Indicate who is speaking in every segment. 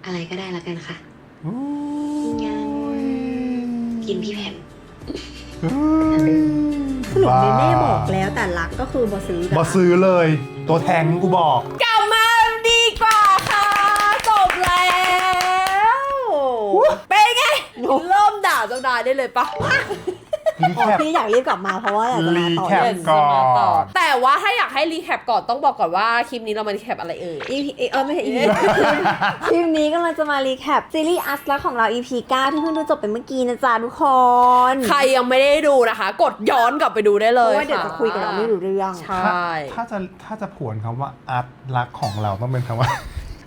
Speaker 1: อะไรก็ได้ละกันค่ะงั้นกินพี่แผ่น
Speaker 2: สรุปเนเน่บอกแล้วแต่รักก็คือบอซื้อ
Speaker 3: บอซื้อเลย ตัวแทงกูบอก
Speaker 2: กลับมาดีกว่าค่ะจบแล้วเป็นไงเริ่มด่าเจ้านายได้เลยปะ
Speaker 3: รีแคป
Speaker 4: พี่อยากรีบกลับมาเพราะว่าอยากจะมาต่อ
Speaker 3: รีแคป ก่อน
Speaker 2: แต่ว่าถ้าอยากให้รีแคปก่อนต้องบอกก่อนว่าคลิปนี้เรามารีแคปอะไรเอ่ย
Speaker 4: EP ไม่ใช่ EP คลิปนี้ก็เราจะมารีแคปซีรีส์อัสลักของเรา EP 9 ที่เพิ่งดูจบไปเมื่อกี้นะจ๊ะทุกคน
Speaker 2: ใครยังไม่ได้ดูนะคะ กดย้อนกลับไปดูได้เล
Speaker 4: เพ
Speaker 2: ย
Speaker 4: ราะว่าเดี๋ยวจะคุยกับเราไม่รู้เรื่อง
Speaker 2: ใช่
Speaker 3: ถ้าจะผวนคำว่าอาร์ตรักของเราต้องเป็นคำว่า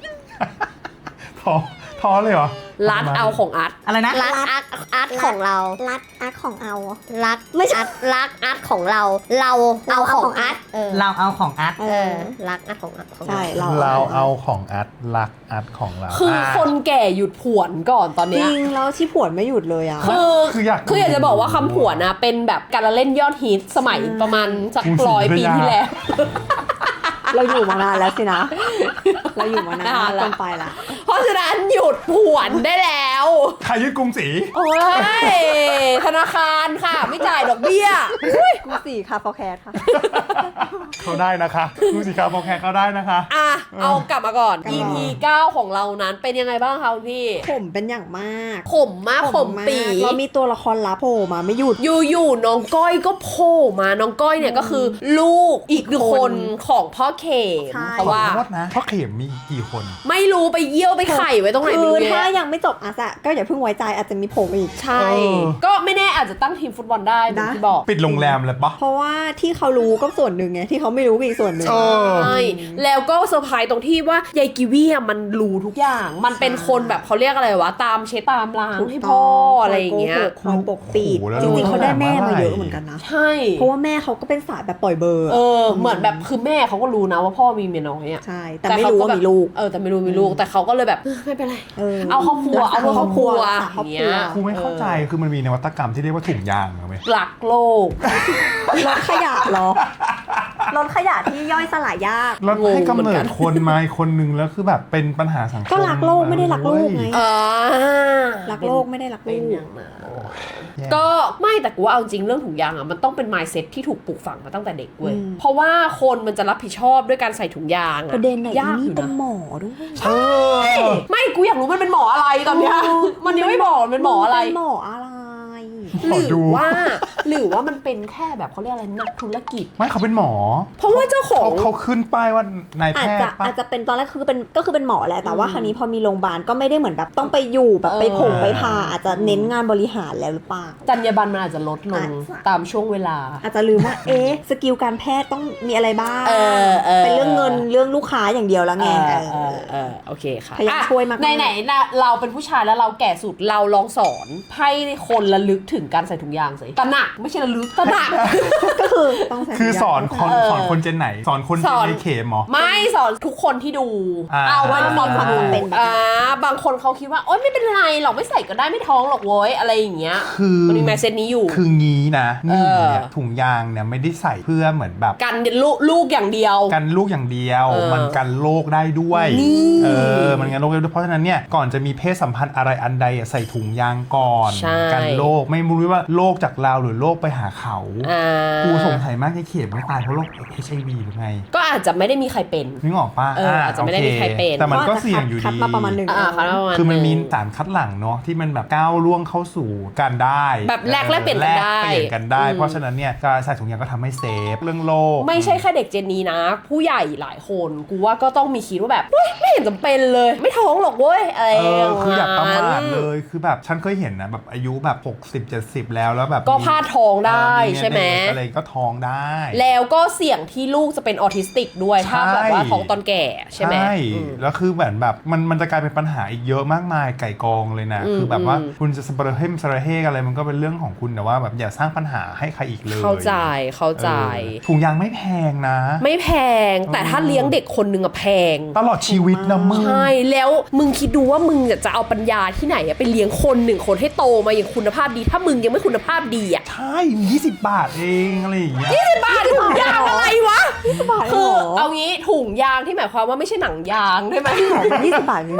Speaker 3: ท้อเลยเหรอ
Speaker 2: รัดเอาของอัด
Speaker 5: อะไรนะ
Speaker 6: รักอาร์ตของเรา
Speaker 4: รักอักของเอา
Speaker 6: รัก
Speaker 4: ไม่ใช่
Speaker 6: รักอาร์ตของเรา เราเอาของอาร์ต
Speaker 5: เราเอาของอาร์ต
Speaker 6: รักอาร์ตของอาร์ตของ
Speaker 4: ใช่
Speaker 6: เรา
Speaker 3: เราเอาของอาร์ตรักอาร์ตของเรา
Speaker 2: คือคนแก่หยุดผวนก่อนตอน
Speaker 4: จ
Speaker 2: เนี้
Speaker 4: ริ
Speaker 2: ย
Speaker 4: งแล้วที่ผวนไม่หยุดเลยอ่ะ
Speaker 3: คืออยาก
Speaker 2: คืออยากจะบอกว่าคำผวนนะเป็นแบบการละเล่นยอดฮิตสมัยประมาณสัก
Speaker 3: กรุงศรี
Speaker 2: 100 ปีที่แล้ว
Speaker 4: เราอยู่มานานแล้วสินะ เราอยู่มานาน
Speaker 2: นานละ
Speaker 4: เกินไปละ
Speaker 2: เพราะฉะนั้นหยุดผวนได้แล้ว
Speaker 3: ใครยึดกรุงศรี
Speaker 2: โอ้ยธนาคารค่ะไม่จ่ายดอกเบี้ย
Speaker 4: กูสี่ค่ะฟอร์แคสค่ะ
Speaker 3: เขาได้นะคะดูสิครับพอแคร์เขาได้นะคะ
Speaker 2: อ่ะเอากลับมาก่อน
Speaker 4: กลับมา
Speaker 2: EP 9 ของเรานั้นเป็นยังไงบ้างคะคุณพี่
Speaker 4: ผมเป็นอย่างมาก
Speaker 2: ขมมากขมปี
Speaker 4: แล้วมีตัวละครลับโผล่มาไม่หยุด
Speaker 2: อยู่ๆน้องก้อยก็โผล่มาน้องก้อยเนี่ยก็คือลูกอีกคนของพ่อเขม
Speaker 4: ใช่
Speaker 2: เพราะว่า
Speaker 3: ขอโทษนะเพราะเข็มมีกี่คน
Speaker 2: ไม่รู้ไปเยี่ยวไปไข่ไว้ตรงไหน
Speaker 4: คื
Speaker 2: ไม่
Speaker 4: อ
Speaker 2: รู้
Speaker 4: ถ้า
Speaker 2: เนี่ย
Speaker 4: ยังไม่จบอาสะก็อย่าเพิ่งไว้ใจอาจจะมีโผล่มาอีก
Speaker 2: ใช่
Speaker 3: เออ
Speaker 2: ก็ไม่แน่อาจจะตั้งทีมฟุตบอลได้เหมือน
Speaker 4: นะ
Speaker 2: ที่บอก
Speaker 3: ปิดโรงแรมเลยปะ
Speaker 4: เพราะว่าที่เขารู้ก็ส่วนหนึ่งไงที่เขาไม่รู้ก็อีกส่วนหนึ่ง
Speaker 3: เออ
Speaker 2: ใช่แล้วก็เซอร์ไพรส์ตรงที่ว่ายายกิวีอะมันรู้ทุกอย่าง มันเป็นคนแบบเขาเรียกอะไรวะตามเช็ดตามล้างให้พ่ออะไรอย่างเงี้ย
Speaker 4: คอยปกปิด
Speaker 3: โอ้โหแล้ว
Speaker 4: จริงๆเขาได้แม่มาเยอะ
Speaker 3: เท่าไหร่
Speaker 4: เหมือนกันนะ
Speaker 2: ใช่
Speaker 4: เพราะว่าแม่เขาก็เป็นสายแบบปล่อยเบอร์
Speaker 2: เหมือนแบบคือแม่เขาก็รู้นะว่าพ่อมีเมียน้อยอะ
Speaker 4: ใช่ แต่ไม่รู้ว่ามีลูก
Speaker 2: แต่ไม่รู้มีลูกแต่เขาก็เลยแบบไม่เป็นไร เอาครอบครัว
Speaker 4: รักษา
Speaker 2: เอาเพื่อครอบครัว
Speaker 4: รักษาครอบครัว
Speaker 2: อย่างเงี้ย
Speaker 3: กูไม่เข้าใจคือมันมีนวัตกรรมที่เรียกว่าถุงยางเหรอไหม
Speaker 2: รักโลก
Speaker 4: รถขยะเหรอ รถขยะที่ย่อยสลายยาก
Speaker 3: แล้วให้กำ
Speaker 2: งงเหมื
Speaker 3: เนิ
Speaker 2: อนกั
Speaker 3: ด
Speaker 2: น
Speaker 3: คนมาอีกคนนึงแล้วคือแบบเป็นปัญหาสังคม
Speaker 4: ก็รักโลกไม่ได้รักลูกไง
Speaker 2: อ่า
Speaker 4: รักโลกไม่ได้รัก
Speaker 2: เป็
Speaker 4: ลู
Speaker 2: น
Speaker 4: ก
Speaker 2: อย่างนั้นก็ไม่แต่กูว่าเอาจริงเรื่องถุงยางอ่ะมันต้องเป็น mindset ที่ถูกปลูกฝังมาตั้งแต่เด็กเว้ยเพราะว่าคนมันจะรับผิดชอบด้วยการใส่ถุงยางอะ
Speaker 4: ประเด็นไหน
Speaker 2: ยากอ
Speaker 4: นี่
Speaker 2: ยู่
Speaker 4: เป็น
Speaker 2: นะ
Speaker 4: หมอด้วย
Speaker 3: เออ
Speaker 2: ไม่กูอยากรู้มันเป็นหมออะไรตอนเนี้ยมันยังไม่บอกมันเป็นหมออะไร
Speaker 4: เป็นหมออะไร
Speaker 3: หมอ
Speaker 2: ห
Speaker 3: ดู
Speaker 2: รือว่ามันเป็นแค่แบบเขาเรียกอะไรนักธุรกิจ
Speaker 3: ไม่เขาเป็นหมอ
Speaker 2: เพราะว่าเจ้าของ
Speaker 3: เขาขึ้นป้ายว่านายแพ
Speaker 4: อาจ
Speaker 3: ท
Speaker 4: จะ
Speaker 3: ย์ปะ
Speaker 4: อาจจะเป็นตอนแรกคือเป็นหมอแหละแต่ว่าคราวนี้พอมีโรงพยาบาลก็ไม่ได้เหมือนแบบต้องไปอยู่แบบไปผงไปพาอาจจะเน้นงานบริหารแล้วหรือเปล่า
Speaker 2: จรรยาบรรณมันอาจจะลดลง
Speaker 4: อาจจะ
Speaker 2: ตามช่วงเวลา
Speaker 4: อาจจะลืมว่าสกิลการแพทย์ต้องมีอะไรบ้าง
Speaker 2: เออ
Speaker 4: เป็นเรื่องเงินเรื่องลูกค้าอย่างเดียวแล้วไง
Speaker 2: โอเคค่ะ
Speaker 4: พยายามช่วยมากๆ
Speaker 2: ไหนๆนะเราเป็นผู้ชายแล้วเราแก่สุดเราลองสอนให้คนระลึกถึงการใส่ถุงยางสิตระหนักไม่ใช่ระลึกตระหนัก
Speaker 4: ก็คือต้องใส่
Speaker 3: คือสอนคน
Speaker 2: เออ
Speaker 3: สอนคนเจนไหน สอนคนเจ
Speaker 2: สอน
Speaker 3: นในเข็มเหรอ
Speaker 2: ไม่สอนทุกคนที่ดู เอาว่า
Speaker 4: มีความจำเป็นแบบ
Speaker 2: บางคนเขาคิดว่าโอ๊ยไม่เป็นไรหรอกไม่ใส่ก็ได้ไม่ท้องหรอกเว้ยอะไรอย่างเงี้ย
Speaker 3: คือ
Speaker 2: มันมีแมสเซจนี้อยู่
Speaker 3: คืองี้นะหนึ่งเนี่ย
Speaker 2: เออ
Speaker 3: ถุงยางเนี่ยไม่ได้ใส่เพื่อเหมือนแบบ
Speaker 2: กันลูกอย่างเดียว
Speaker 3: กันลูกอย่างเดียว
Speaker 2: เออ
Speaker 3: มันกันโรคได้ด้วย
Speaker 2: นี่
Speaker 3: มันกันโรคได้ด้วยเพราะฉะนั้นเนี่ยก่อนจะมีเพศสัมพันธ์อะไรอันใดอะใส่ถุงยางก่อน
Speaker 2: ใช่
Speaker 3: กันโรคไม่รู้ว่าโรคจากเราหรือโรคไปหาเขา กูสงสัยมากที่เข็มไม่ตายเพราะโรค HIV หรือไง
Speaker 2: ก็อาจจะไม่ได้มีใครเป็น
Speaker 3: นึกออกปะ
Speaker 2: อาจจะไม่ได้มีใครเป็น
Speaker 3: แต่มันก็เสี่ยงอยู่
Speaker 4: คัด
Speaker 3: ดี
Speaker 4: มาประมาณหนึ่ง
Speaker 2: เขาประมาณ
Speaker 3: คือมันมี
Speaker 2: หง
Speaker 3: สารคัดหลั่งเนาะที่มันแบบก้าวล่วงเข้าสู่การได้
Speaker 2: แบบแลกเปลี่ยนกันได้
Speaker 3: แลกเปลี่ยนกันได้
Speaker 2: อืม
Speaker 3: เพราะฉะนั้นเนี่ยการใส่ถุงยางก็ทำให้เซฟเรื่องโรค
Speaker 2: ไม่ใช่แค่เด็กเจนนี้นะ ผู้ใหญ่หลายคนกูว่าก็ต้องมีคิดว่าแบบเฮ้ยไม่เห็นจำเป็นเลย ไม่ท้องหรอกเว้ยอะไรอย่างเงี้ย
Speaker 3: คืออย่าประมาทเลยคือแบบฉันเคยเห็นนะแบบอายุแบบ60-70แล้วแล้วแบบ
Speaker 2: ก็พลาดท้องได้ใช่ไหม
Speaker 3: อะไรก็ท้องได้
Speaker 2: แล้วก็เสี่ยงที่ลูกจะเป็นออทิสติกด้วยถ้าแบบว่าท้องตอนแก่ใช่ไหมอืม
Speaker 3: แล้วคือเหมือนแบบมันจะกลายเป็นปัญหาอีกเยอะมากมายไก่กองเลยนะ คือแบบว่าคุณจะสเปรย์เฮมสเปรย์เฮกอะไรมันก็เป็นเรื่องของคุณแต่ว่าแบบอย่าสร้างปัญหาให้ใครอีกเลย
Speaker 2: เข้าใจ
Speaker 3: ถุงยางไม่แพงนะ
Speaker 2: ไม่แพงแต่ถ้าเลี้ยงเด็กคนหนึ่งอะแพง
Speaker 3: ตลอดชีวิตนะมึง
Speaker 2: ใช่แล้วมึงคิดดูว่ามึงจะเอาปัญญาที่ไหนอะไปเลี้ยงคนหนึ่งคนให้โตมาอย่างคุณภาพดี ถ้ามึงยังไม่คุณภาพดีอะ
Speaker 3: ใช่20 บาทเองอะไรอย่างเงี้ย
Speaker 2: บ้าถุงยางอะไรวะ
Speaker 4: บาท
Speaker 2: คือ
Speaker 4: เหรอ
Speaker 2: เอางี้ถุงยางที่หมายความว่าไม่ใช่หนังยางใช่ไหม
Speaker 4: 20 บาทนี่เหรอ
Speaker 2: ใช่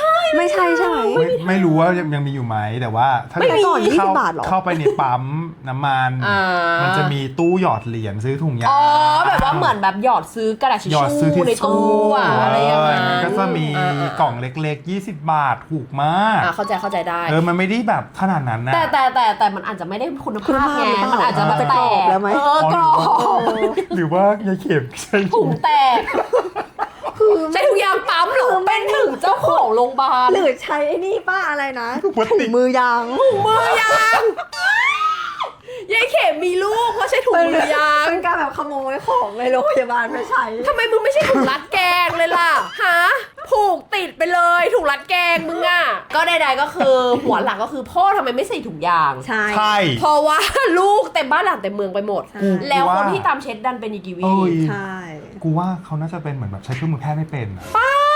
Speaker 4: ไม่ใช่ใช่ไหม
Speaker 3: ไม่รู้ว่ายังมีอยู่ไหมแต่ว่าถ้า
Speaker 4: ไม่มีก่อน20
Speaker 3: เข้
Speaker 4: บาทเหรอ
Speaker 3: เข้าไปในปั๊มน้ำมัน มันจะมีตู้หยอดเหรียญซื้อถุงยาง
Speaker 2: อ๋อแบบว่าเหมือนแบบหยอดซื้อกระดาษทิช
Speaker 3: หยอดซื้อ
Speaker 2: ชู่
Speaker 3: ทิช
Speaker 2: ใน
Speaker 3: ชู่
Speaker 2: ตู้อะอะไรอย่างเงี้ย
Speaker 3: มันก็จะมีกล่องเล็กๆ20 บาทถูกมาก
Speaker 2: เข้าใจได้
Speaker 3: มันไม่ได้แบบขนาดนั้นนะ
Speaker 2: แต่มันอาจจะไม่ได้คุณภาพไง
Speaker 4: คุณภาพหรือเปล่า
Speaker 2: มันอาจจะแบบ
Speaker 4: จะ
Speaker 2: แต
Speaker 4: กรอบ
Speaker 2: ก
Speaker 4: แล้วไหม
Speaker 2: กรอบ
Speaker 3: หรือว่ายายเข็มใช่
Speaker 2: ถุงแตกใช้ถุงยางปั๊มเหรอเป็นถึงเจ้าของโรงพยาบาล
Speaker 4: หรือใช้ไอ้นี่ป้าอะไรนะ
Speaker 3: พลาส
Speaker 4: ถุ
Speaker 3: ติ
Speaker 4: ง
Speaker 3: ก
Speaker 4: มือยาง
Speaker 2: มือยางยายเข็มมีลูกเพราะใช้ถุงมือยาง
Speaker 4: เป็นการแบบขโมยของในโรงพยาบาลมาใช้
Speaker 2: ทำไมมึงไม่ใช่ถุงรัดแกงเลยล่ะฮะผูกติดไปเลยถุงรัดแกงมึงอ่ะก็ใดๆก็คือหัวหลักก็คือพ่อทำไมไม่ใส่ถุงยาง
Speaker 4: ใช่
Speaker 3: ใช่
Speaker 2: เพราะว่าลูกเต็มบ้านหลังเต็มเมืองไปหมด
Speaker 4: ใช่
Speaker 2: แล้วคน
Speaker 3: ว่า
Speaker 2: ที่ตามเช็ดดันเป็นอีกีวี
Speaker 3: เอ้ย
Speaker 4: ใช่
Speaker 3: กูว่าเขาน่าจะเป็นเหมือนแบบใช้เครื่องมือแพทย์ไม่เป็นอะ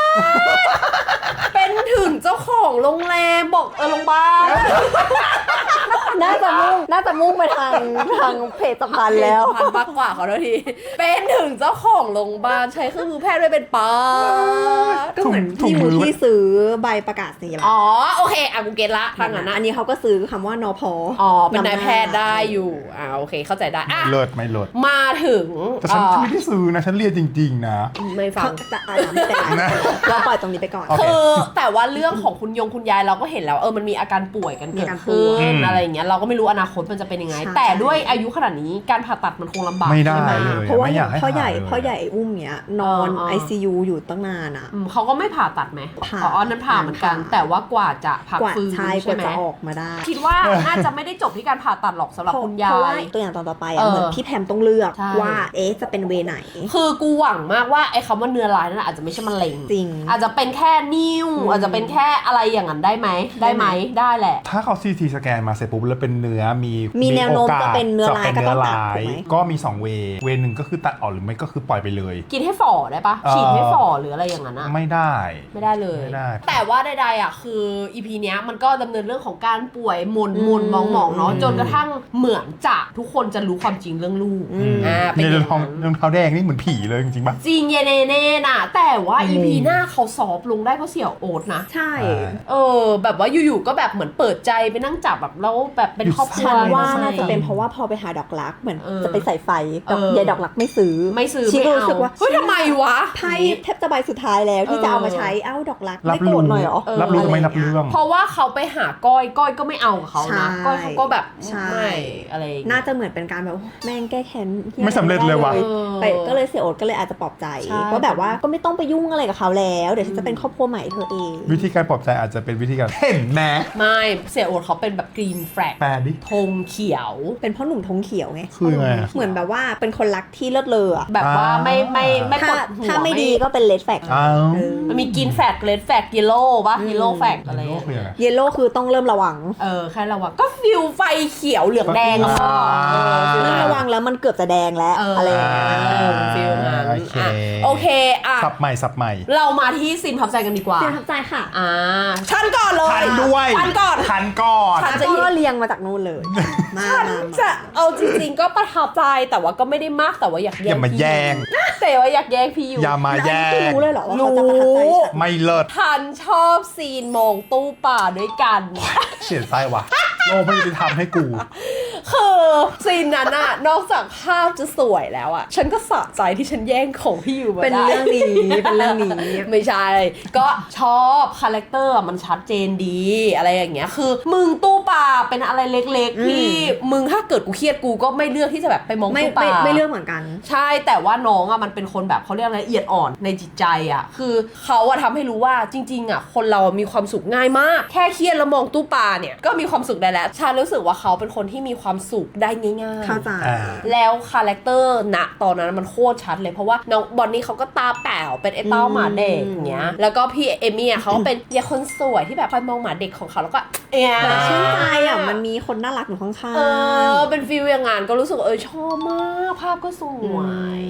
Speaker 2: เป็นถึงเจ้าของโรงแรมบอกโรงพยาบาล
Speaker 4: น่าจะมุ่งไปทางเพจสะพานแล้ว
Speaker 2: พันมากกว่าเขาทีเป็นถึงเจ้าของโรงพยาบาลใช้เครื่องมือแพทย์ด้วยเป็นป้า
Speaker 4: ก็เหมือน
Speaker 3: ถุง
Speaker 4: ที่
Speaker 3: มื
Speaker 4: มื
Speaker 3: อ
Speaker 4: อที่ซื้อใบประกาศนียบัตร
Speaker 2: อ๋อโอเคกูเก็ตละทางนั้นนะ
Speaker 4: อันนี้เขาก็ซื้อคำว่านพ
Speaker 2: อ๋อเป็นนายแพทย์ได้อยู่โอเคเข้าใจได้อ่ะ
Speaker 3: เลิศไม่เลิศ
Speaker 2: มาถึง
Speaker 3: แต่ฉันไม่ได้ซื้อนะ ฉันเรียนจริง ๆ นะ
Speaker 2: ไม่ฟั
Speaker 4: เขา
Speaker 2: ง
Speaker 4: จะไม่เป็นไรเราปล่อยตรงนี้ไปก่อน
Speaker 3: โอเค
Speaker 2: คือแต่ว่าเรื่องของคุณยายเราก็เห็นแล้วมันมีอาการป่วยกันเกิดขึ้นอะไรอย่างเงี้ยเราก็ไม่รู้อนาคตมันจะเป็นยังไง
Speaker 4: ใช่
Speaker 2: แต่ด้วยอายุขนาดนี้การผ่าตัดมันคงลำบาก
Speaker 3: ไม่ได้
Speaker 2: ใช่ไหม
Speaker 3: เลย
Speaker 4: เพราะว่า
Speaker 3: ไม่อยากให้
Speaker 4: พ่อใหญ่
Speaker 3: หาเลย
Speaker 4: พ่อใหญ่อุ้มเนี้ยนอน ICU อยู่ตั้งนานอ่ะ
Speaker 2: เขาก็ไม่ผ่าตัดไหม
Speaker 4: ผ่า
Speaker 2: อ๋อนั้นผ่าเหมือนกัน
Speaker 4: ผ่า
Speaker 2: แต่ว่ากว่าจะพัก
Speaker 4: กว่า
Speaker 2: ฟื้น
Speaker 4: ใช่ก
Speaker 2: ใช่
Speaker 4: ว่า
Speaker 2: ไหม
Speaker 4: จะออกมาได้
Speaker 2: คิดว่าน่าจะไม่ได้จบที่การผ่าตัดหรอกสำหรับคุณยา
Speaker 4: เพราะว่าย ตัวอย่างตอนต่อไปเหมือนพี่แพมต้องเลือก
Speaker 2: ใช่
Speaker 4: ว่าจะเป็นเวไหน
Speaker 2: คือกูหวังมากว่าไอ้คำว่าเนื้อร้ายนั่นอาจจะไม่ใช่มะเร็ง
Speaker 4: จริง
Speaker 2: อาจจะเป็นแค่นิ่วอาจจะเป็นแค่อะไรอย่างนั้นได้ไหมได้แหละ
Speaker 3: ถ้าเขา CT สแกนมาเสร็จปุ๊บแล้วเป็นเนื้อมี
Speaker 4: แนวโน้ม
Speaker 3: โอกาส
Speaker 4: จะเป็นเนื้อร้าย
Speaker 3: จะเป็นเนื้อ
Speaker 4: ก็ต้องตัด
Speaker 3: ร้าย
Speaker 4: ถูกไหม
Speaker 3: ก็มี2 เวหนึ่งก็คือตัดออกหรือไม่ก็คือปล่อยไปเลย
Speaker 2: กินให้ฝ่อได้ปะฉีดให้ฝ่อหรืออะไรอย่างนั้นอะ
Speaker 3: ไม่ได้
Speaker 2: ไม่ได้เลย
Speaker 3: ไม่ได้
Speaker 2: แต่ว่าใดๆอ่ะคืออีพีเนี้ยมันก็ดำเนินเรื่องของการป่วยหม่นมองๆเนาะจนกระทั่งเหมือนจะทุกคนจะรู้ความจริงเรื่องลูกเป็น
Speaker 3: ใน
Speaker 2: อ
Speaker 3: ร
Speaker 2: ย่า
Speaker 3: อง ง
Speaker 2: นั้น
Speaker 3: เท้าแดงนี่เหมือนผีเลยจริงๆป่ะ
Speaker 2: จริงเยเนเน่น่ะแต่ว่าอีพีหน้าเขาซอฟต์ลงได้เพราะเสี่ยวโอ๊ตนะ
Speaker 4: ใช่
Speaker 2: แบบว่าอยู่ๆก็แบบเหมือนเปิดใจไปนั่งจับแบบแล้วแบบเป็นครอบครัว
Speaker 4: ฉันว่า
Speaker 2: ใช่
Speaker 4: น่าจะเป็นเพราะว่าพอไปหาดอกรักเหมือน
Speaker 2: เออ
Speaker 4: จะไปใส่ไฟ
Speaker 2: เออ
Speaker 4: ยายดอกรักไม่ซื้อ
Speaker 2: ไม่
Speaker 4: ก็
Speaker 2: เอา
Speaker 4: รู้สึกว่า
Speaker 2: เฮ้ยทำไมวะ
Speaker 4: ไพ่แทบจะใบสุดท้ายแล้วที่จะเอามาใช้ดอกรัก
Speaker 3: รั
Speaker 4: ไม่
Speaker 3: บ
Speaker 4: โกร
Speaker 3: รู้
Speaker 4: ธหน่อยเหรอ
Speaker 3: รับรู้ไม่รับเรื่อง
Speaker 2: เพราะว่าเขาไปหาก้อยก็ไม่เอากับเขานะ
Speaker 4: ใช่
Speaker 2: ก้อยเขาก็แบบ
Speaker 4: ใช่
Speaker 2: ไม่อะไรอย่างเงี้ย
Speaker 4: น่าจะเหมือนเป็นการแบบแม่งแก้แค้นหี้
Speaker 3: ไม่สำเร็จเลยว่ะ
Speaker 4: ไปก็เลยเสียโอ๊ตก็เลยอาจจะปลอบใจ
Speaker 2: ใช่
Speaker 4: ว่าแบบว่าก็ไม่ต้องไปยุ่งอะไรกับเขาแล้วเดี๋ยวฉันจะเป็นครอบครัวใหม่เธอเอง
Speaker 3: วิธีการปลอบใจอาจจะเป็นวิธีการเห็นแม้
Speaker 2: ไม่เสี่ยโอ๊ตเขาเป็นแบบกรีนแฟลก
Speaker 3: แปลดิ
Speaker 2: ธงเขียว
Speaker 4: เป็นพ่อหนุ่มธงเขียวไง
Speaker 3: คือไงอะ
Speaker 4: เหมือนแบบว่าเป็นคนรักที่เลิศเลออะ
Speaker 2: แบบว่าไม่ป
Speaker 4: ถ้าว
Speaker 2: ดหัว
Speaker 4: ถ้าไม่ดีก็เป็นเลดแฟก
Speaker 3: อ้าว
Speaker 2: มันมีกรีนแฟลกเลดแฟลกเยลโล่ป่ะเยลโล่แฟลกอะไร
Speaker 3: โลกคือยังไง
Speaker 4: เยลโล่คือต้องเริ่มระวัง
Speaker 2: แค่ระวังก็ฟิลไฟเขียวเหลืองแดงอะพ่อฟิล
Speaker 4: เริ่ม
Speaker 2: นั้น
Speaker 4: ระวังแล้วมันเกือบจะแดงแล้วอะไรอย่างเงี้ย
Speaker 2: ฟิลนั้น
Speaker 3: โอเค
Speaker 2: โอเคอ่ะ
Speaker 3: สับใหม่
Speaker 2: เรามาที่ซีนพับใจกันดีกว่า
Speaker 4: เสียทับใจค่ะ
Speaker 2: ฉันก่อนเลย
Speaker 3: ทันด้วย
Speaker 2: ฉันก่อน
Speaker 3: ทันก่อน
Speaker 2: ฉัน
Speaker 4: แล้วก็เรียงมาจากนู่นเลย มา
Speaker 2: จะเอาจริงๆก็ประทับใจแต่ว่าก็ไม่ได้มากแต่ว่าอยาก
Speaker 3: อ
Speaker 2: แย่
Speaker 3: ย่าง มา
Speaker 2: พี่
Speaker 3: แย่ง
Speaker 2: แต่ว่าอยากแย่งพี่อยู่
Speaker 3: อย่ามาแย่
Speaker 4: คือง รู้เลยเหรอว่าเขาจะ
Speaker 2: รู้
Speaker 4: ประทับใจฉัน
Speaker 3: ไม่เลิศ
Speaker 2: ทันชอบซีนมองตู้ป่าด้วยกัน
Speaker 3: เสียใจว่ะโลกไม่ยุติธรรมให้กู
Speaker 2: คือซีนนั้นอะนอกจากภาพจะสวยแล้วอะฉันก็สะใจที่ฉันแย่งของพี่อยู่มา
Speaker 4: เป็น
Speaker 2: ได้
Speaker 4: เรื่องนี้เป็นเรื่องนี้
Speaker 2: ไม่ใช่ ก็ชอบคาแรคเตอร์มันชัดเจนดีอะไรอย่างเงี้ยคือมึงตู้ปลาเป็นอะไรเล็กๆที่มึงถ้าเกิดกูเครียดกูก็ไม่เลือกที่จะแบบไปมอง
Speaker 4: ไม่
Speaker 2: ตู้ปลา
Speaker 4: ไม่เรื่องเหมือนกัน
Speaker 2: ใช่แต่ว่าน้องอะมันเป็นคนแบบเขาเรียกอะไรละเอียดอ่อนในจิตใจอะคือเขาอะทำให้รู้ว่าจริงๆอะคนเรามีความสุขง่ายมาก แค่เครียดแล้วมองตู้ปลาเนี่ยก็มีความสุขได้แล้วฉันรู้สึกว่าเขาเป็นคนที่มีความสุขได้ง่ายๆ
Speaker 4: เข้าใจ
Speaker 2: แล้วคาแรคเตอร์ณตอนนั้นมันโคตรชัดเลยเพราะว่าน้องบอนนี่เขาก็ตาแป๋วเป็นไอ้เต้าหมาเด็กอย่างเงี้ยแล้วก็พี่เอมี่เขาก็เป็นยายคนสวยที่แบบคอยมองหมาเด็กของเขาแล้วก็
Speaker 4: ชื่นใจอ่ะมันมีคนน่ารักอยู่ข้างๆ
Speaker 2: เป็นฟีลอย่างงานก็รู้สึกว่าชอบมากภาพก็สวย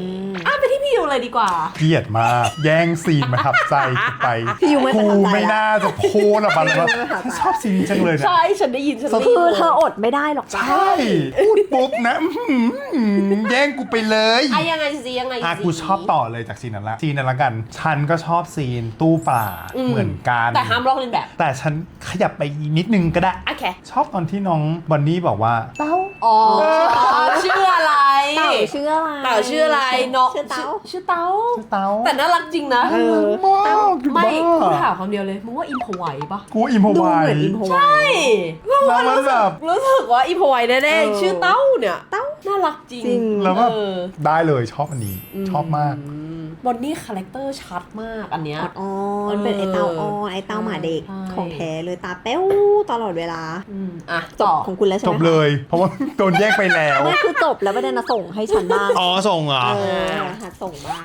Speaker 2: ไปที่พี่ยูเลยดีกว่า
Speaker 3: เกลียดมากแย่งซีนมาทับใจกูไป
Speaker 4: พี่ยูไม่ประทับใจ
Speaker 3: ไม่น่าจะโพสอะบันเลยว่าฉันชอบซีนนี้จังเลยนะ
Speaker 2: ใช่ฉันได้ยินฉันได้ยิ
Speaker 4: คื
Speaker 2: น
Speaker 4: อเธออดไม่ได้หรอกจ้ะ
Speaker 3: ใช่พูดปุ๊บนะแย่งกูไปเลย
Speaker 2: ยังไงสิยังไงสิ
Speaker 3: กูชอบต่อเลยจากซีนนั้นละซีนนั้นละกัน ฉันก็ชอบซีนตู้ปลาเหมือนกัน
Speaker 2: แต่ห้ามลอกเลียนแบบ
Speaker 3: แต่ฉันขยับไปนิดนึงก็ได้
Speaker 2: โอเค
Speaker 3: ชอบตอนที่น้องบอนนี่บอกว่าเต้า
Speaker 2: อ๋อชื่ออะไร
Speaker 4: เต่าชื่ออะไร
Speaker 2: เต่าชื่ออะไรน้อง
Speaker 4: ชื่อเต่า
Speaker 2: ชื่อเต้า
Speaker 3: เต้า
Speaker 2: แต่น่ารักจริงนะ
Speaker 3: มาก
Speaker 2: ไม่กู
Speaker 3: บ้า
Speaker 2: ถามคำเดียวเลยมึงว่าอิมพอไวปะ
Speaker 3: กูอิมพอ
Speaker 4: ดู
Speaker 3: ไว
Speaker 4: เหมือนอินโฮไว
Speaker 2: ใช่เพราะว่า
Speaker 3: แล้วมันแบบ
Speaker 2: รู้สึกว่าอิมพอไวแน่
Speaker 4: เออ
Speaker 2: ๆชื่อเต้าเนี่ยเต้าน่ารักจริง
Speaker 4: จริง
Speaker 3: แล้วแบบ
Speaker 2: เออ
Speaker 3: ได้เลยชอบอันนี้ชอบมาก
Speaker 2: บอนนี่คาแรคเตอร์ชัดมากอันเนี้ย
Speaker 4: อ่อนๆเป็นไอเต้าอ่อนไอเต้าหมาเด็ก
Speaker 2: ใช่
Speaker 4: ของแท้เลยตาเป้วตลอดเวลา
Speaker 2: อ่ะ
Speaker 4: จ
Speaker 2: ต่
Speaker 4: บ
Speaker 2: อ
Speaker 4: ของคุณแล้วใช่
Speaker 3: จ
Speaker 4: ไหม
Speaker 3: บเลย เพราะว่าโดนแยกไปแล้ว
Speaker 4: ไม่คือจบแล้วประเด็นนะส่งให้ฉันบ้าง
Speaker 3: อ๋อส่งเหรอ
Speaker 4: เออหัดส่งบ้าง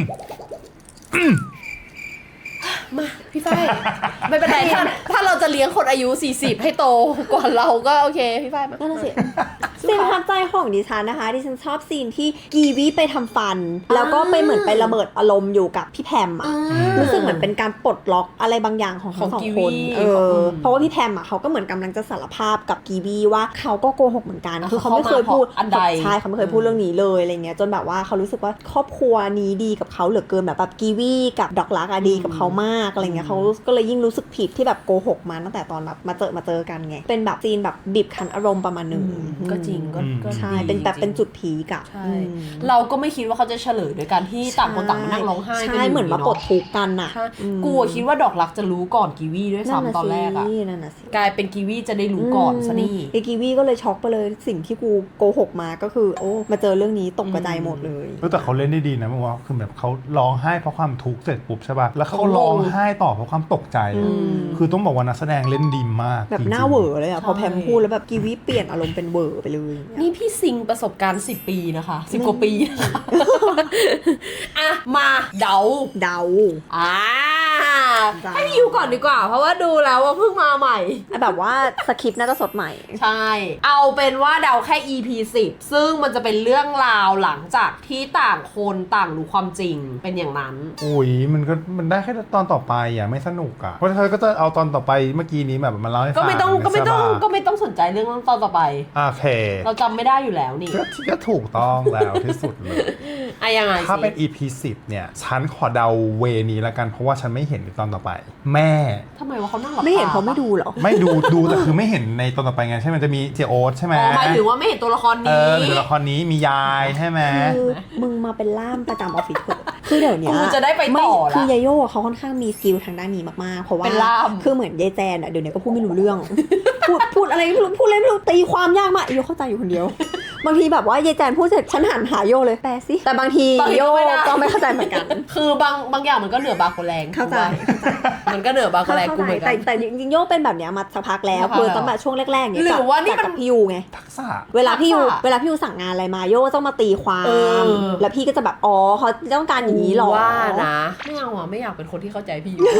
Speaker 2: มาพี่ฝ้าย ไม่เป็นไรถ้าเราจะเลี้ยงคนอายุ 40 ให้โตก่อนเราก็โอเคพี่ฝ้ายมา
Speaker 4: นั่นน่ะสิซีนประทับใจของดิฉันนะคะดิฉันชอบซีนที่กีวีไปทำฟัน แล้วก็ไปเหมือนไประเบิดอารมณ์อยู่กับพี่แพมอ่ะรู้สึกเหมือนเป็นการปลดล็อกอะไรบางอย่างของทั้งสองคนเพราะว่าพี่แพมอ่ะเขาก็เหมือนกำลังจะสารภาพกับกีวีว่าเขาก็โกหกเหมือนกันคือเขาไม่เคยพูด
Speaker 2: อันใด
Speaker 4: ใช่เขาไม่เคยพูดเรื่องนี้เลยอะไรเงี้ยจนแบบว่าเขารู้สึกว่าครอบครัวนี้ดีกับเขาเหลือเกินแบบกีวีกับดอกลักอะดีกับเขามากอะไรเงี้ยเขาก็เลยยิ่งรู้สึกผิดที่แบบโกหกมาตั้งแต่ตอนแบบมาเจอกันไงเป็นแบบซีนแบบบีบคั้นอารมณ์ประมาณหนึ่ง
Speaker 2: ก็จริงก็
Speaker 4: ใช่
Speaker 2: ดี
Speaker 4: เป็นแบบ
Speaker 2: จริง
Speaker 4: เป็นจุดพีกอะ
Speaker 2: ใช่เราก็ไม่คิดว่าเขาจะเฉลยโดยการที่ต่างคนต่างมานั่งร้องไห้กั
Speaker 4: ใช่เหมือนมาปลดทุกข์กันอะ
Speaker 2: ใช่กูอะคิดว่าดอกรักจะรู้ก่อนกีวีด้วยซ้ำตอนแรกอะ
Speaker 4: นั่นน่ะสิ
Speaker 2: กลายเป็นกีวีจะได้รู้ก่อนซะนี่
Speaker 4: ไอกีวีก็เลยช็อกไปเลยสิ่งที่กูโกหกมาก็คือโอ้มาเจอเรื่องนี้ตกกระจายหมดเลย
Speaker 3: แต่เขาเล่นได้ดีนะมึงว่าคือแบบเขาร้องไห้เพราะความทุกข์เสร็จปุ๊บใช่ป่ะแล้วเขาร้องไห้ต่อเพราะความตกใจอะคือต้องบอกว่านักแสดงเล่นดีมาก
Speaker 4: แบบ
Speaker 3: จริงๆ
Speaker 4: หน้าเหวอเลยอะพอแพมพูดแล้วแบบกีวีเปลี่ยนอารมณ์เป็นเหวอไปเลย
Speaker 2: นี่พี่ซิงประสบการณ์10 ปีนะคะ10 กว่าปีนะคะอ่ะมาเดา
Speaker 4: เดา
Speaker 2: อ่า
Speaker 4: จ้า
Speaker 2: ให้พี่ยูก่อนดีกว่า เพราะว่าดูแล้วว่าเพิ่งมาใหม่
Speaker 4: แบบว่าสคริปต์น่าจะสดใหม่
Speaker 2: ใช่ เอาเป็นว่าเดาแค่ EP 10 ซึ่งมันจะเป็นเรื่องราวหลังจากที่ต่างคนต่างรู้ความจริงเป็นอย่างนั้น
Speaker 3: อุ้ยมันได้แค่ตอนต่อไปอ่ะไม่สนุกอ่ะเพราะเธอก็จะเอาตอนต่อไปเมื่อกี้นี้แบบมาเล่าให้ฟัง
Speaker 2: ก็ไม่ต้องสนใจเรื่องตอนต่อไป
Speaker 3: โอเค
Speaker 2: เราจำไม่ได้อยู่แล้วนี่
Speaker 3: ก็ถูกต้องแล้วที่สุดเลย
Speaker 2: อะยังไง
Speaker 3: ถ้าเป็น
Speaker 2: สิ
Speaker 3: EP 10เนี่ยฉันขอเดาเวนี้ละกันเพราะว่าฉันไม่เห็นในตอนต่อไป แม่
Speaker 2: ทำไมว่าเขานั่งหลับ
Speaker 4: ไม่เห็น
Speaker 2: ต
Speaker 4: เพราะไม่ดูเหรอ
Speaker 3: ไม่ดูแต่คือไม่เห็นในตอนต่อไปไงใช่ไหมมันจะมีเจโอ๊ตใช่ไหม
Speaker 2: อ๋อหมายถึงว่าไม่เห็นตัวละคร
Speaker 3: เอ
Speaker 2: นี้
Speaker 3: อหรือละครนี้มียายใช่ไหม
Speaker 4: คือมึงมาเป็นล่ามประจำออฟฟิศเถอะคือเดี๋ยวเนี้ย
Speaker 2: กูจะได้ไปต่อละ
Speaker 4: คือยาโย่เขาค่อนข้างมีสกิลทางด้านนี้มากๆ เพราะว่า
Speaker 2: เป็นล่าม
Speaker 4: คือเหมือนยายแจนอะเดี๋ยวนี้ก็พูดไม่รู้เรื่อง พูดอะไรไม่รู้พูดอะไรไม่รู้ตีความยากมากโยเข้าใจอยู่คนเดียว บางทีแบบว่ายายแจนพูดเสร็จฉันหันหาโยเลยแปลสิแต่บางทีโยก็ไม่เข้าใจเหมือนกัน
Speaker 2: คือบางอย่างมันก็เหนือบางคนแรง
Speaker 4: เข้าใจ
Speaker 2: มันก็เหนือบางคนแรงกูเหมือนกัน
Speaker 4: แต่จริงๆโยเป็นแบบเนี้ยมาสักพักแล้ว
Speaker 2: สักพัก
Speaker 4: คือตั้งแต่ช่วงแรกๆเนี่ย
Speaker 2: หรือว่านี่มัน
Speaker 4: กับพี่ยูไง
Speaker 3: ทักษะ
Speaker 4: เวลาพี่ยู
Speaker 2: ทักษะ
Speaker 4: เวลาพี่ยูสั่งงานอะไรมาโยต้องมาตีความ
Speaker 2: เออ
Speaker 4: แล้วพี่ก็จะแบบอ๋อเขาต้องการอย่างนี้หรอ
Speaker 2: ว่านะไม่เอาอ่ะไม่อยากเป็นคนที่เข้าใจพี่อยู่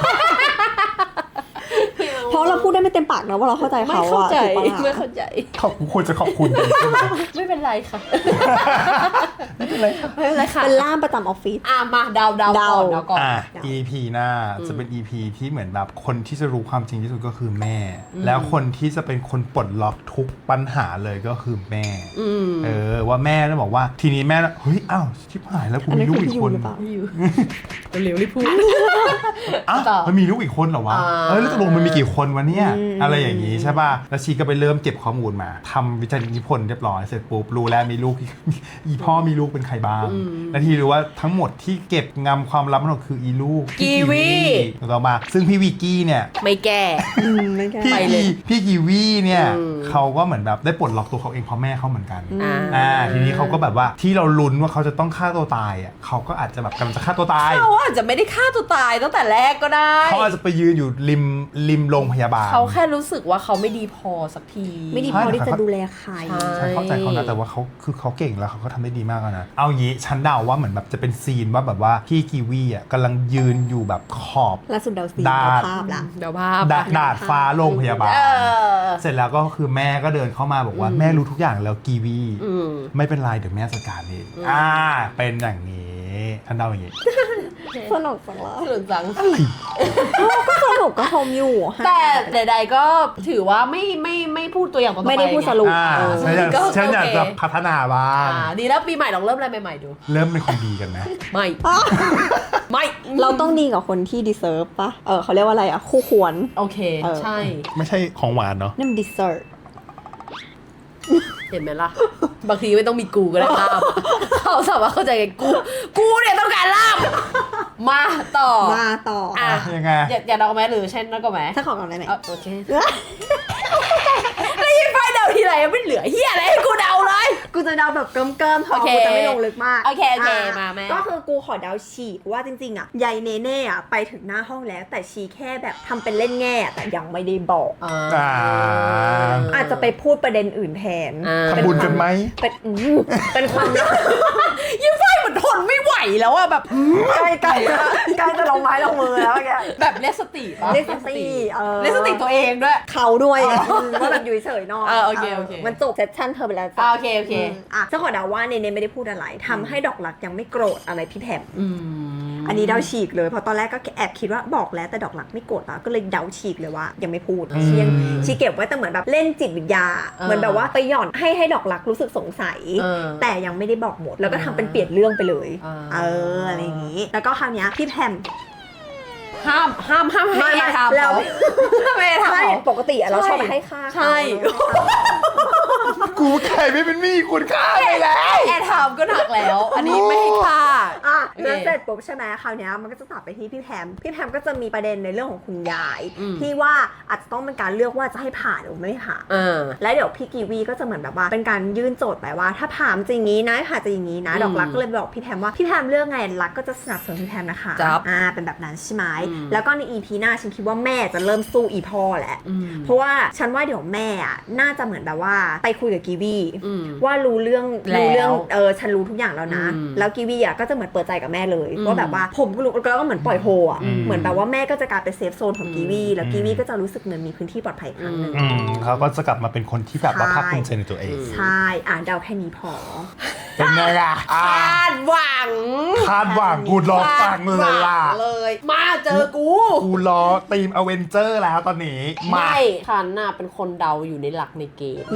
Speaker 4: เพราะเราพูดได้ไม่เต็มปากนะว่าเราเข้าใจ
Speaker 2: ไม่
Speaker 4: เขา
Speaker 2: เข้า
Speaker 4: อะ
Speaker 2: ใจ
Speaker 4: ถูกปะ
Speaker 2: ไม่เข้าใจ
Speaker 3: ควรจะขอบคุณดีใช่ไหม
Speaker 2: ไม่เป็นไรค่ะ
Speaker 3: ไม่เป็นไรค่ะ
Speaker 2: ไม่เป็นไรค่ะ
Speaker 4: เป็นล่ามประจำออฟฟิศ
Speaker 2: อ่ะมาเดาก่อนเดาก่อน
Speaker 3: EP หน้าจะเป็น EP ที่เหมือนแบบคนที่จะรู้ความจริงที่สุดก็คือแม่ แล้วคนที่จะเป็นคนปลดล็อกทุกปัญหาเลยก็คือแม่ ว่าแม่แล้วบอกว่าทีนี้แม่เฮ้ยอ้าวชิบหายแล้วกู
Speaker 4: อัน
Speaker 3: มี
Speaker 4: นี้
Speaker 3: ลู
Speaker 4: คื
Speaker 3: ก
Speaker 4: อ
Speaker 3: อี
Speaker 4: พี่
Speaker 3: ก
Speaker 4: ยู
Speaker 3: คน
Speaker 4: หรือเปล่า
Speaker 2: พี่อยู่เร็วรีบพูด
Speaker 3: อ้าว
Speaker 2: ต่อ
Speaker 3: มันมีลูกอีกคนเหรอวะ แล้วตกลงมันมีกี่คนวะเนี่ยอะไรอย่างนี้ใช่ป่ะแล้วชีก็ไปเริ่มเก็บข้อมูลมาทำวิจัยนิพนธ์เรียบร้อยเสร็จปุ๊บรู้แล้วมีลูกอีพ่อมีลูกเป็นใครบ้างแล้วทีรู้ว่าทั้งหมดที่เก็บงำความลับทั้งหมดคืออีลูก
Speaker 2: กีวี
Speaker 3: ถูกต้องมาซึ่งพี่วีกี้เนี่ย
Speaker 2: ไม่แก้
Speaker 4: ไม่แก้
Speaker 3: พี่
Speaker 2: ไปเลย
Speaker 3: พี่กีวีเนี่ยเขาก็เหมือนแบบได้ปลดล็อกตัวเขาเองเพราะแม่เขาเหมือนกันทีนี้เขาก็แบบว่าที่เราลุ้นว่าเขาจะต้องฆ่าตัวตายอ่ะเขาก็อาจจะแบบกำลังจะฆ่าตัวตาย
Speaker 2: เขาอาจจะไม่ได้ฆ่าตัวตายตั้งแต่แรกก็ได้
Speaker 3: เขาอาจจะไปยืนอยู่ริมโรงพยาบาล
Speaker 2: เขาแค่รู้สึกว่าเขาไม่ดีพอสักที
Speaker 4: ไม่ดีพอที่จะดูแลใคร
Speaker 3: ฉันเข้าใจเขานะแต่ว่าเขาเก่งแล้วเขาก็ทำได้ดีมากนะเอางี้ฉันเดาว่าเหมือนแบบจะเป็นซีนว่าแบบว่าพี่กีวีอ่ะกำลังยืนอยู่แบบขอบ
Speaker 4: ล่าสุดเดาซีน
Speaker 3: ดาด
Speaker 4: เดาภาพละ
Speaker 2: เดี๋ยวภาพ
Speaker 3: ดาดฟ้าโรงพยาบาล
Speaker 2: เออ
Speaker 3: เสร็จแล้วก็คือแม่ก็เดินเข้ามาบอกว่าแม่รู้ทุกอย่างแล้วกีวี
Speaker 2: อืม
Speaker 3: ไม่เป็นไรเดี๋ยวแม่จัดการเองเป็นอย่างนี้ฉันเดาอย่างนี้
Speaker 4: สนุกจังเลย
Speaker 2: สนุกจัง
Speaker 4: ก็สนุกก็ชมอยู่
Speaker 2: แต่ใดๆก็ถือว่าไม่พูดตัวอย่างต่อไป
Speaker 4: ไม่ได้พูดสรุป
Speaker 3: ฉันอยากจะพัฒนาบ้าง
Speaker 2: ดีแล้วปีใหม่ลองเริ่มอะไรใหม่ๆดู
Speaker 3: เริ่มเป็นคนดีกันไหม
Speaker 2: ไม่ ไม่
Speaker 4: เราต้องดีกับคนที่ deserve ปะเขาเรียกว่าอะไรอ่ะ คู่ควร
Speaker 2: โอเค ใช่
Speaker 3: ไม่ใช่ของหวานเนาะ
Speaker 4: นั่น deserve
Speaker 2: เห็นไหมล่ะ บางทีไม่ต้องมีกูก็ได้ล่ามเขาสามารถเข้าใจกันกูเนี่ยต้องการล่ามมาต่อ
Speaker 4: มาต่อ
Speaker 2: อ่ะ
Speaker 3: ยังไง
Speaker 2: อยากเดาไหมหรือเช่นนั่นก็ไหม
Speaker 4: ถ้าขอก่อนได้ไหม
Speaker 2: โอเคแล้วยินไฟเดาทีไรไม่เหลือเฮียอะไรให้กูเดาเลย
Speaker 4: กูจะเดาแบบเกิมๆพอ
Speaker 2: โอเค
Speaker 4: กูจะไม่ลงลึกมาก
Speaker 2: โอเค
Speaker 4: อ่ะ
Speaker 2: มาแม่
Speaker 4: ก็คือกูขอเดาฉีกว่าจริงๆอ่ะยายเนเน่อ่ะไปถึงหน้าห้องแล้ว แต่ชีแค่แบบทำเป็นเล่นแง่แต่ยังไม่ได้บอก อาจจะไปพูดประเด็นอื่นแทน
Speaker 3: ทำบุญกันไหม
Speaker 4: เป็นความลับ
Speaker 2: ยินไฟเหมือนทนไม่ไหวแล้วอะแบบ
Speaker 4: ใกล้จะลงไม้ลงมือแล้วแก
Speaker 2: แบบเรียกสติปะ
Speaker 4: เรียกสติ
Speaker 2: เรียกสติตัวเองด้วย
Speaker 4: เขาด้วยว่าแบบอยู่เฉยๆหน่อย
Speaker 2: โอเคโอเค
Speaker 4: มันจบเซสชั่นเธอไปแล้ว
Speaker 2: โอเคโอเค
Speaker 4: จะขอเดาว่าเนเน่ไม่ได้พูดอะไรทำให้ดอกรักยังไม่โกรธอะไรพี่แพม
Speaker 2: อืม
Speaker 4: อันนี้เดาฉีกเลยเพราะตอนแรกก็แอบคิดว่าบอกแล้วแต่ดอกรักไม่โกรธแล้วก็เลยเดาฉีกเลยว่ายังไม่พูดชีเก็บไว้แต่เหมือนแบบเล่นจิตวิทยาเหมือนแบบว่าไปหย่อนให้ดอกรักรู้สึกสงสัยแต่ยังไม่ได้บอกหมดแล้วก็ทำเป็นเปลี่ยนเรื่องไปเลยอะไรอย่างนี้แล้วก็คราวนี้พี่แพม
Speaker 2: ห้ามให้แอร์ทำ
Speaker 4: แล้ว
Speaker 2: เขาไม่ให้ทำ
Speaker 4: ใช่
Speaker 2: เขา
Speaker 4: ปกติอะเราชอบไปให้ค่า
Speaker 2: ใช่
Speaker 3: กูไข่ไม่เป็นมีคุณค่าเลยแล้ว
Speaker 2: แอร์ทำก็หนักแล้ว อันนี้ไม่ให้ค่า
Speaker 4: แล้วเสร็จปุ๊บใช่ไหมคราวนี้มันก็จะตัดไปที่พี่แพมก็จะมีประเด็นในเรื่องของคุณยายที่ว่าอาจจะต้องเป็นการเลือกว่าจะให้ผ่าหรือไม่ผ่าแล้วเดี๋ยวพี่กีวีก็จะเหมือนแบบว่าเป็นการยื่นโจทย์ไปว่าถ้าผ่าจะอย่างนี้นะผ่าจะอย่างนี้นะดอกรักก็เลยบอกพี่แพมว่าพี่แพมเลือกไงรักก็จะสนับสนุนพี่แพมนะคะเป็นแบบนั้นใช่ไหมแล้วก็ใน EP หน้าฉันคิดว่าแม่จะเริ่มสู้อีพ่อแหละเพราะว่าฉันว่าเดี๋ยวแม่น่าจะเหมือนแบบว่าไปคุยกับกีวีว่ารู้เรื่องฉันรู้ทุกอย่างแล้วนะแล้วกีวีก็จะเหมือนเปิดใจกับแม่เลยว่าแบบว่าผมก็รู้แล้วก็เหมือนปล่อยโฮเหมือนแบบว่าแม่ก็จะกลายเป็นเซฟโซนของกีวีแล้วกีวีก็จะรู้สึกเหมือนมีพื้นที่ปลอดภัยครั้งนึง
Speaker 3: เขาก็จะกลับมาเป็นคนที่แบบว่าภาคภูมิใจในตัวเอง
Speaker 4: ใช่เดาแค่นี้พอ
Speaker 3: เป็นไงล่ะ
Speaker 2: คาดหวัง
Speaker 3: กูรอฟังเลยล่ะ
Speaker 2: เลยมาเจอกู
Speaker 3: กูรอทีมอเวนเจอร์แล้วตอนนี้มา
Speaker 2: ไม่ฉันน่ะเป็นคนเดาอยู่ในหลักในเกม
Speaker 4: ไหน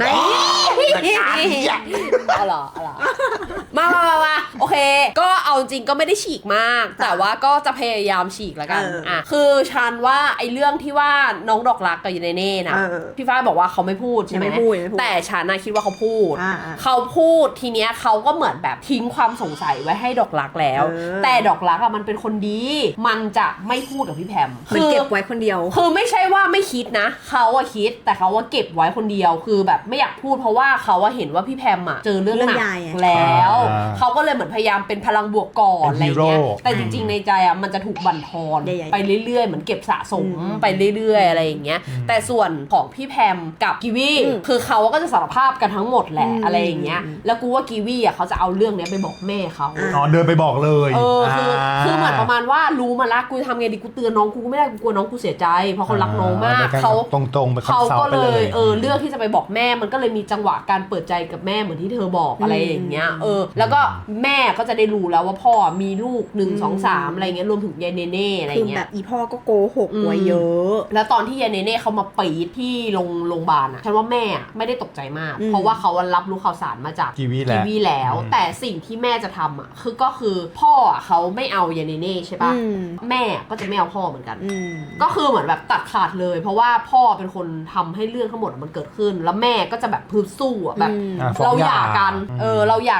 Speaker 2: เอาเหรอมาโอเค ก็เอาจริงก็ไม่ได้ฉีกมาก แต่ว่าก็จะพยายามฉีกแล้วกันคือฉันว่าไอ้เรื่องที่ว่าน้องดอกรักกับยูเนเน่นะพี่ฟ้าบอกว่าเขาไม่พูดใช่ไหมแต่ฉันน่ะคิดว่าเขาพูดเขาพูดทีเนี้ยเขาก็เหมือนแบบทิ้งความสงสัยไว้ให้ดอกรักแล้วแต่ดอกรักอะมันเป็นคนดีมันจะไม่พูดกับพี่แพม
Speaker 4: มันเก็บไว้คนเดียว
Speaker 2: คือไม่ใช่ว่าไม่คิดนะเขาอะคิดแต่เขาว่าเก็บไว้คนเดียวคือแบบไม่อยากพูดเพราะว่าเขาว่าเห็นว่าพี่แพมอะเจอเรื่องหนักแล้วเขาก็เลยเหมือนพยายามเป็นพลังบวกก่อนอะไรเงี้ยแต่จริงๆในใจอะมันจะถูกบั่นทอนไปเรื่อยๆเหมือนเก็บสะสมไปเรื่อยๆอะไรอย่างเงี้ยแต่ส่วนของพี่แพมกับกีวีคือเขาก็จะสารภาพกันทั้งหมดแหละอะไรอย่างเงี้ยแล้วกูว่ากีวีอะเขาจะเอาเรื่องเนี้ยไปบอกแม่เขา
Speaker 3: เดินไปบอกเลย
Speaker 2: คือเหมือนประมาณว่ารู้มาละกูทำไงดีกูเตือนน้องกูไม่ได้กูกลัวน้องกูเสียใจเพราะเขารักน้องมากเขา
Speaker 3: ตรงๆไป
Speaker 2: เขาก็เลยเลือกที่จะไปบอกแม่มันก็เลยมีจังหวะการเปิดใจกับแม่เหมือนที่เธอบอกอะไรอย่างเงี้ยแล้วก็แม่ก็จะได้รู้แล้วว่าพ่อมีลูก1 2 3อะไรเงี้ยรวมถึงยายเนเน่อะไรเงี้ย
Speaker 4: คือแบบอีพ่อก็โกหกไว้เยอะ
Speaker 2: แล้วตอนที่ยายเนเน่เขามาปีดที่โรงพยาบาลอะฉันว่าแม่ไม่ได้ตกใจมากเพราะว่าเขารับรู้ข่าวสารมาจาก
Speaker 3: กีวี
Speaker 2: แล้วแต่สิ่งที่แม่จะทำอะก็คือพ่อเขาไม่เอายายเนเน่ใช่ปะแม่ก็จะไม่เอาพ่อเหมือนกันก็คือเหมือนแบบตัดขาดเลยเพราะว่าพ่อเป็นคนทำให้เรื่องทั้งหมดมันเกิดขึ้นแล้วแม่ก็จะแบบพึบสู้อะแบบเราหย่ากันเราหย่ากันตัดสิน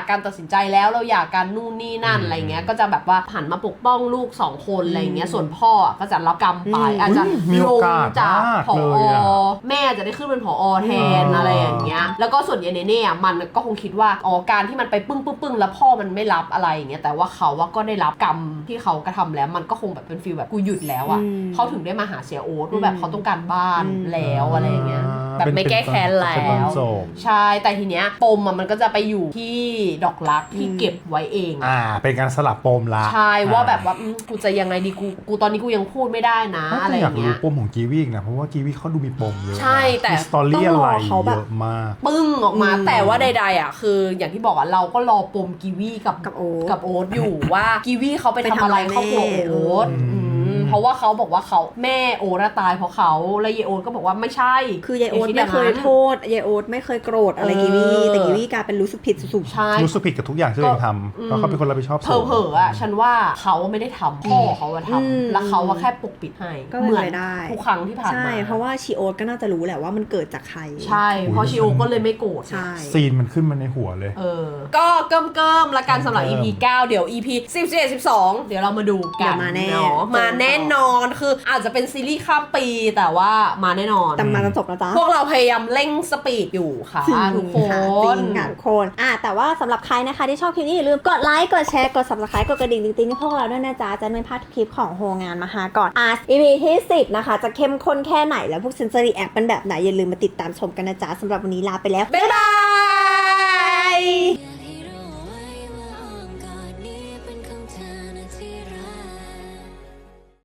Speaker 2: ใจแล้วเราอยากกันนู่นนี่นั่นอะไรเงี้ยก็จะแบบว่าหันมาปกป้องลูก2คนอะไรเงี้ยส่วนพ่อก็จะรับกรรมไปอาจจะ
Speaker 3: มี
Speaker 2: ล
Speaker 3: โองกาส
Speaker 2: จาก
Speaker 3: มาก
Speaker 2: ผอ
Speaker 3: เลยอะ
Speaker 2: แม่จะได้ขึ้นเป็นผอแทนอะไรอย่างเงี้ยแล้วก็ส่วนเยเนเน่มันก็คงคิดว่าการที่มันไปปึ้งแล้วพ่อมันไม่รับอะไรอย่างเงี้ยแต่ว่าเขาว่าก็ได้รับกรรมที่เขากระทำแล้วมันก็คงแบบเป็นฟีลแบบกูหยุดแล้วอ่ะเขาถึงได้มาหาเสียโอ๊ตว่าแบบเขาต้องการบ้านแล้วอะไรอย่างเงี้ยแบบไม่แก้แค้นแล้
Speaker 3: เป็นตอน
Speaker 2: ว
Speaker 3: จบ
Speaker 2: ใช่แต่ทีเนี้ยปมมันก็จะไปอยู่ที่ดอกรักที่เก็บไว้เอง
Speaker 3: เป็นการสลับปมละ
Speaker 2: ใช่ว่าแบบว่ากูจะยังไงดีกูตอนนี้กูยังพูดไม่ได้นะอะไรอ
Speaker 3: อยาก
Speaker 2: ย่าง
Speaker 3: รู้
Speaker 2: เงี้ย
Speaker 3: ปมของกีวีนะเพราะว่ากีวีเขาดูมีปมเยอะนะ
Speaker 2: ใช่แต่
Speaker 3: มีสตอรี่อะไร
Speaker 4: เขาแบบ
Speaker 3: เยอะมาก
Speaker 2: ปึ้งออกมาแต่ว่าใดๆอ่ะคืออย่างที่บอกอ่ะเราก็รอปมกีวีกับ
Speaker 4: โอ๊ต
Speaker 2: กับโอ๊ตอยู่ว่ากีวีเขาไปทำอะไรครอบครัวโอ๊ตเพราะว่าเขาบอกว่าเขาแม่โอ๊ตตายเพราะเขาแล้วเยโอ๊ตก็บอกว่าไม่ใช่
Speaker 4: คือยายโอ๊ตไม่เคยโทษยายโอ๊ตไม่เคยโกรธอะไรกีวีแต่กีวีกลายเป็นรู้สึกผิดสุด
Speaker 2: ใช่
Speaker 3: รู้สึกผิดกับทุกอย่างที่ตัวเองทำเพราะเขาเป็นคนรับผิดชอบ
Speaker 2: เผลอๆอ่ะฉันว่าเขาไม่ได้ทำพ่อเขาอะทำแล้วเขาว่าแค่ปกปิดให้
Speaker 4: ก็เป็น
Speaker 2: เหมือน
Speaker 4: ไปได้
Speaker 2: ทุกครั้งที่ผ่าน
Speaker 4: ใช่
Speaker 2: มา
Speaker 4: เพราะว่าชีโอ๊ตก็น่าจะรู้แหละว่ามันเกิดจากใคร
Speaker 2: ใช่เพราะชิโอก็เลยไม่โกรธ
Speaker 4: ใช่
Speaker 3: ซีนมันขึ้นมาในหัวเลย
Speaker 2: ก็เกิมละกันสำหรับ EP 9 เดี๋ยว EP 11 12 เดี๋ยวเรามาดูกัน
Speaker 4: เดี๋ยวมาแน่
Speaker 2: เนาะมาแน่นอนคืออาจจะเป็นซีรีส์ข้ามปีแต่ว่ามาแน่นอน
Speaker 4: แต่มาจะจบแล้วจ้า
Speaker 2: พวกเราพยายามเร่งสปีดอยู่ค่ะทุกค
Speaker 4: จ
Speaker 2: น
Speaker 4: ริงค่ะทุกคนแต่ว่าสำหรับใครนะคะที่ชอบคลิปนี้อย่าลืมกดไลค์กดแชร์กด subscribe กดกระดิ่งติ๊งๆให้พวกเราด้วยนะจ๊ะจะไม่พลาดทุกคลิปของโฮงานมาหาก่อน EP ที่10นะคะจะเข้มข้นแค่ไหนแล้วพวกฉันจะรีแอคเป็นแบบไหนอย่าลืมมาติดตามชมกันนะจ๊ะสำหรับวันนี้ลาไปแล้ว
Speaker 2: บ๊ายบาย